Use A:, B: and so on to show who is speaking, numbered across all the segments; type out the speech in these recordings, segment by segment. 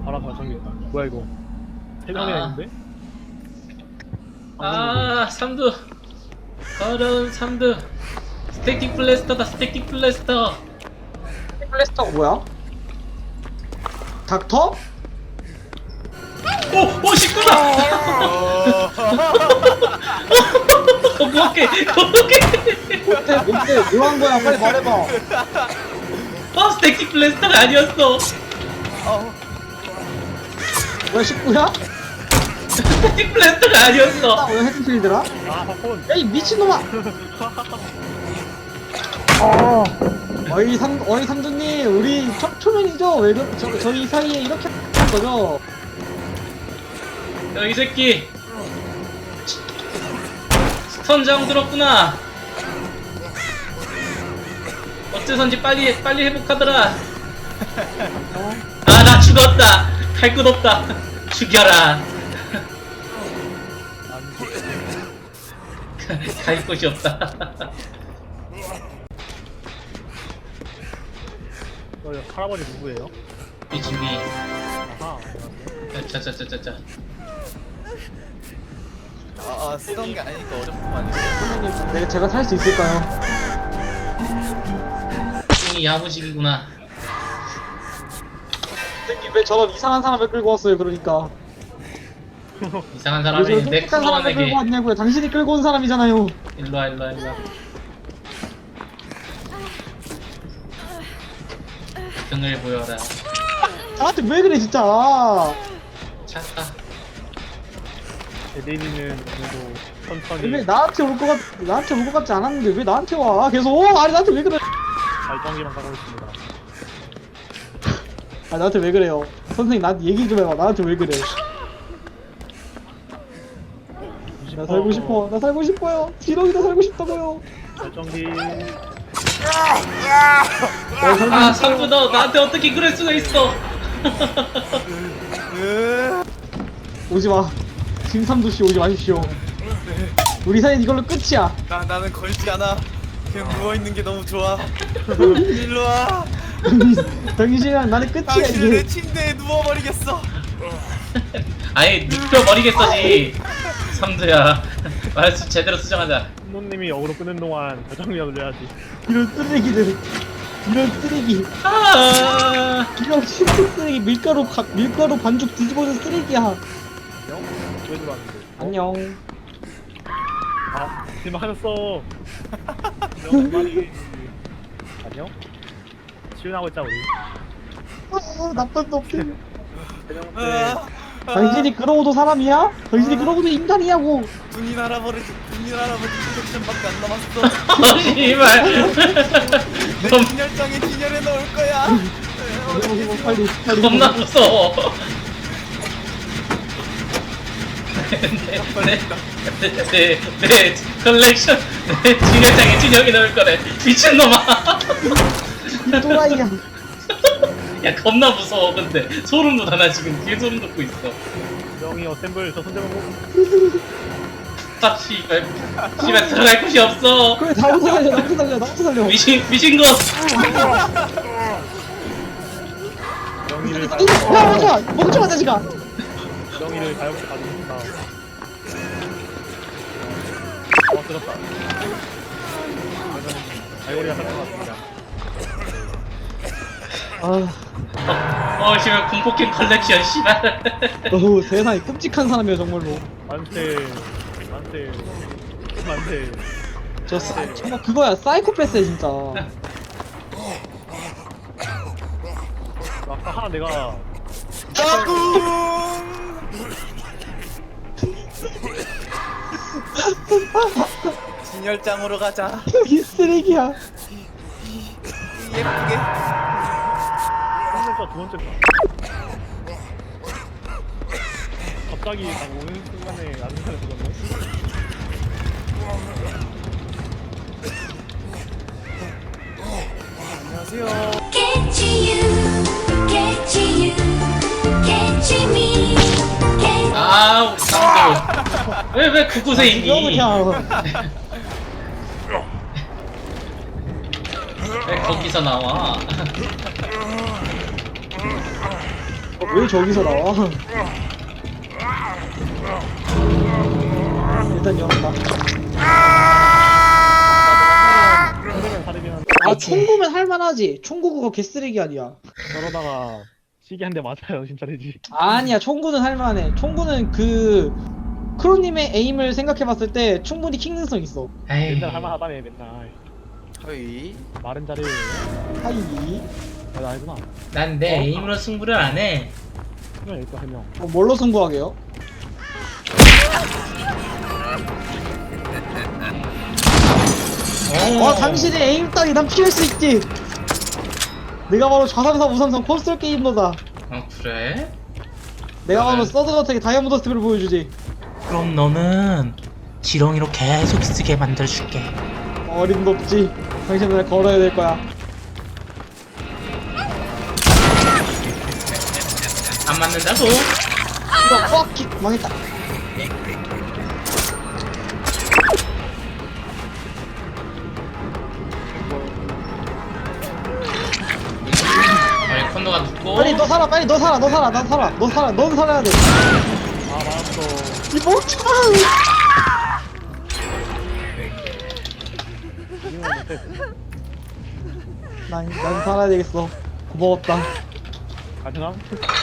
A: 바람 저기 있다. 뭐야 이거? 세 명이나 있는데?
B: 아, 삼두. 더러운 삼두. 스태틱 블래스터다, 스태틱 블래스터.
C: 플래스터가 뭐야? 닥터?
B: 오, 식구다! 거북해, 거북해.
C: 뭔데 뭐 한 거야? 빨리 말해봐.
B: 스태틱 블래스터가 아니었어.
C: 뭐야, 식구야?
B: 스태틱 블래스터가 아니었어.
C: 왜 헤드필드라?
A: 아 팝콘.
C: 야, 이 미친놈아! 어이 삼두님, 우리 초면이죠? 왜 저희 사이에 이렇게 한 거죠?
B: 야, 이 새끼. 스턴장 들었구나. 어째선지 빨리 회복하더라. 아, 나 죽었다. 할 것 없다. 죽여라. 갈 곳이 없다.
A: 할아버지 누구예요?
B: 이준이.
A: 아하.
B: 자자자자자.
D: 쓰던 게 아니니까 어렵구만.
C: 선생님, 제가 살 수 있을까요?
B: 이 야무식이구나.
C: 선생님, 왜 저런 이상한 사람을 끌고 왔어요, 그러니까.
B: 이상한
C: 왜
B: 사람이
C: 저런
B: 내
C: 똑똑한 사람을 끌고
B: 클론에게.
C: 왔냐고요? 당신이 끌고 온 사람이잖아요.
B: 일로와. 등을 보여라.
C: 나한테 왜 그래, 진짜.
B: 찾다.
A: 에데리는 그래도 천천히
C: 왜 나한테 올 것 같지 않았는데 왜 나한테 와? 계속. 아니, 나한테 왜 그래?
A: 발전기만 가고 있습니다.
C: 아, 나한테 왜 그래요? 선생님, 나한테 얘기 좀 해봐. 나한테 왜 그래? 나 살고 싶어. 나 살고 싶어요. 지렁이도 살고 싶다고요.
A: 발전기.
B: 아, 상구 너 나한테 어떻게 그럴 수가 있어?
C: 오지 마. 김삼도 씨 오지 마십시오. 우리 사이는 이걸로 끝이야.
D: 나는 걸지 않아. 그냥 누워 있는 게 너무 좋아. 일로 와.
C: 당신이랑 나는 끝이야
D: 당신을 내
C: 이게.
D: 침대에 누워버리겠어.
B: 아예 눕혀버리겠어지. 삼두야. 말수 제대로 수정하자.
A: 신노님이 역으로 끄는 동안 발전기가 돌려야지.
C: 이런 쓰레기들. 이런 쓰레기.
B: 아,
C: 이런 신수 쓰레기. 밀가루 반죽 뒤집어진 쓰레기야.
A: 안녕? 왜 들어왔는데?
C: 안녕.
A: 아, 실망하셨어. 안녕. 안녕? 치윤하고 있자 우리.
C: 나쁜 놈들.
A: 대령
C: 당신이 그러고도 사람이야? 당신이 그러고도 인간이냐고.
D: 군인 할아버지 콜렉션밖에 안 남았어.
B: 씨발.
D: 내 진열장에 진열해 놓을 거야.
C: 빨리.
B: 겁나 무서워. 내 컬렉션 내 진열장에 진영이 넣을 거래. 미친놈아.
C: 이 또라이야.
B: 야, 겁나 무서워. 근데 소름 돋아. 나 지금 뒤에 소름 돋고 있어.
A: 명이 어셈블 저 손잡고
B: 딱 씨발 들어갈 곳이 없어.
C: 그래, 나부터 살려.
B: 미친 것.
A: 명이를
C: 야, 멈춰, 자식아.
A: 명이를 가볍게 가져온다. 들었다. 알고리가 살것 같습니다.
B: 씨발 공포게임 컬렉션 씨발.
C: 어우, 세상에 끔찍한 사람이야, 정말로.
A: 만세.
C: 정말 그거야, 사이코패스야, 진짜.
A: 아까 하나 내가
D: 진열장으로 가자.
C: 이 쓰레기야.
D: 예쁘게.
A: 두 번째 거. 갑자기 딱 오는 순간에 안 사는 거네.
D: 안녕하세요.
E: Catch you, catch me, catch
B: 아, 우리 상도. 왜 그곳에 있니?
C: 그냥.
B: 왜 거기서 나와?
C: 왜 저기서 나와? 일단 열었다.
A: 그러면 다르긴 한데
C: 아 총구면 할만하지. 총구 그거 개쓰레기 아니야.
A: 저러다가 시계 한 대 맞아요 진짜 되지.
C: 아니야 총구는 할만해. 총구는 그 크로님의 에임을 생각해봤을 때 충분히 킹능성 있어.
B: 에이.
A: 맨날 할만하다며 맨날.
D: 허이.
A: 말은 잘해.
C: 하이.
A: 아, 나 알구나.
B: 난 내 에임으로 승부를 안 해.
A: 그냥 일단 한 명.
C: 뭘로 승부하게요? 와 당신의 에임 따위 난 피할 수 있지. 내가 바로 좌상사 우상성 콘솔 게임러다.
B: 어 그래?
C: 내가 바로
B: 네.
C: 서든어택의 다이아몬드 스텝을 보여주지.
B: 그럼 너는 지렁이로 계속 쓰게 만들어줄게.
C: 어림도 없지. 당신은 날 걸어야 될 거야.
B: 안 맞는다고?
C: 이거 뻑킥 망했다.
B: 아니 콘도가 눕고.
C: 빨리 너 살아, 빨리 너 살아, 너 살아, 나 살아, 너 살아, 넌 살아야 돼.
A: 아 맞았어.
C: 이 멍청아.
A: 이거 못해.
C: 난 살아야 되겠어. 고마웠다.
A: 가능함?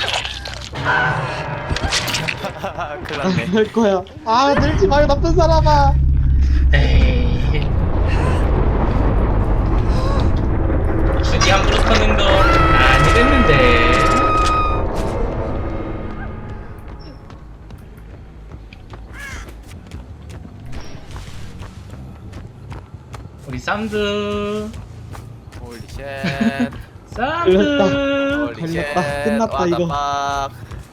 D: 큰일 났네.
C: 할 거야. 아 늘지 마요 나쁜 사람아.
B: 에이. 굳이 함부로 터는 거 아니랬는데. 우리 쌈드.
D: 홀리 쉣.
B: 쌈드.
D: 홀리
C: 걸렸다.
D: 쉣.
C: 끝났다, 이거.
D: 빡.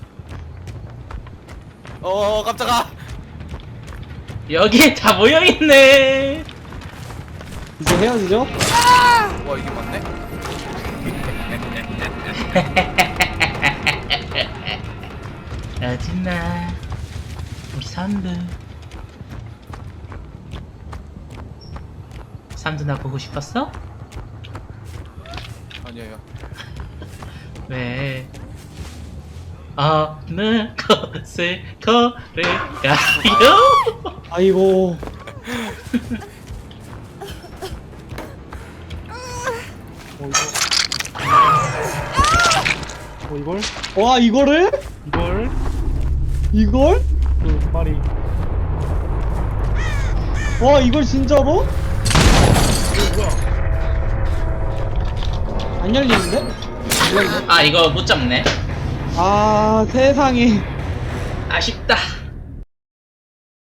D: 깜짝아.
B: 여기에 다 모여있네.
C: 이제 헤어지죠?
D: 와 이게 맞네.
B: 어딨나 우리 쌈드. 쌈드 나 보고 싶었어?
D: 아니에요.
B: 왜 어느 곳을 걸을까요?
C: 아이고.
A: 이걸?
C: 와 이거를?
A: 이걸?
C: 이걸?
A: 그 말이.
C: 와 이걸 진짜로? 안 열리는데? 안 열리네.
B: 아 이거 못 잡네.
C: 아 세상에.
B: 아쉽다.